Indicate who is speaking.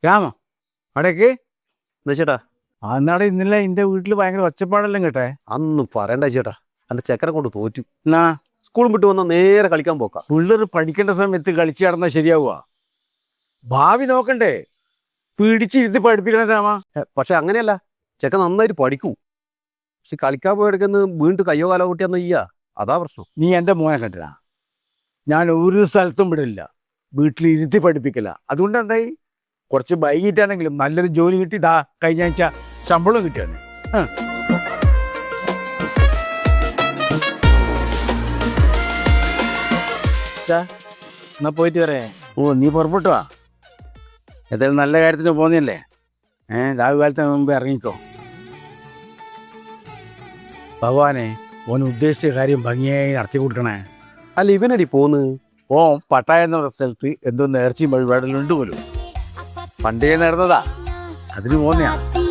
Speaker 1: രാമ അടയ്ക്ക്
Speaker 2: എന്താ ചേട്ടാ?
Speaker 1: അന്നാടെ ഇന്നലെ എന്റെ വീട്ടിൽ ഭയങ്കര ഒച്ചപ്പാടെല്ലാം കേട്ടെ.
Speaker 2: അന്ന് പറയണ്ട ചേട്ടാ, എന്റെ ചെക്കനെ കൊണ്ട് തോറ്റു.
Speaker 1: എന്നാ
Speaker 2: സ്കൂളും വിട്ട് വന്നാൽ നേരെ കളിക്കാൻ പോക്കാം.
Speaker 1: പിള്ളേർ പഠിക്കേണ്ട സമയത്ത് കളിച്ച് നടന്നാൽ ശരിയാവുക? ഭാവി നോക്കണ്ടേ? പിടിച്ചിരുത്തി പഠിപ്പിക്കണം രാമ.
Speaker 2: പക്ഷെ അങ്ങനെയല്ല, ചെക്കൻ നന്നായിട്ട് പഠിക്കൂ. പക്ഷെ കളിക്കാൻ പോയെടുക്കുന്ന വീണ്ടും കയ്യോ കാലോ കൂട്ടിയാന്ന് ചെയ്യാ, അതാ പ്രശ്നം.
Speaker 1: നീ എൻ്റെ മോനെ കണ്ടില്ല, ഞാൻ ഒരു സ്ഥലത്തും വിടില്ല, വീട്ടിലിരുത്തി പഠിപ്പിക്കില്ല. അതുകൊണ്ട് എന്തായി, കുറച്ച് വൈകിട്ടാണെങ്കിലും നല്ലൊരു ജോലി കിട്ടി. ഇതാ കഴിഞ്ഞ ആഴ്ച ശമ്പളം കിട്ടിയാണ്.
Speaker 3: എന്നാ പോയിട്ട് വരേ.
Speaker 1: ഓ നീ പുറപ്പെട്ടു വാ, ഏതായാലും നല്ല കാര്യത്തിന് പോന്നല്ലേ. രാഹു കാലത്തിന് മുമ്പ് ഇറങ്ങിക്കോ. ഭഗവാനെ, ഓൻ ഉദ്ദേശിച്ച കാര്യം ഭംഗിയായി നടത്തി കൊടുക്കണേ.
Speaker 2: അല്ല ഇവനടി പോന്ന്
Speaker 1: ഓ പട്ടായ എന്ന സ്ഥലത്ത് എന്തോ നേർച്ചയും വഴിപാടെല്ലാം ഉണ്ട് പോലും. പണ്ടേ നടന്നതാ, അതിന് പോന്നെയാ.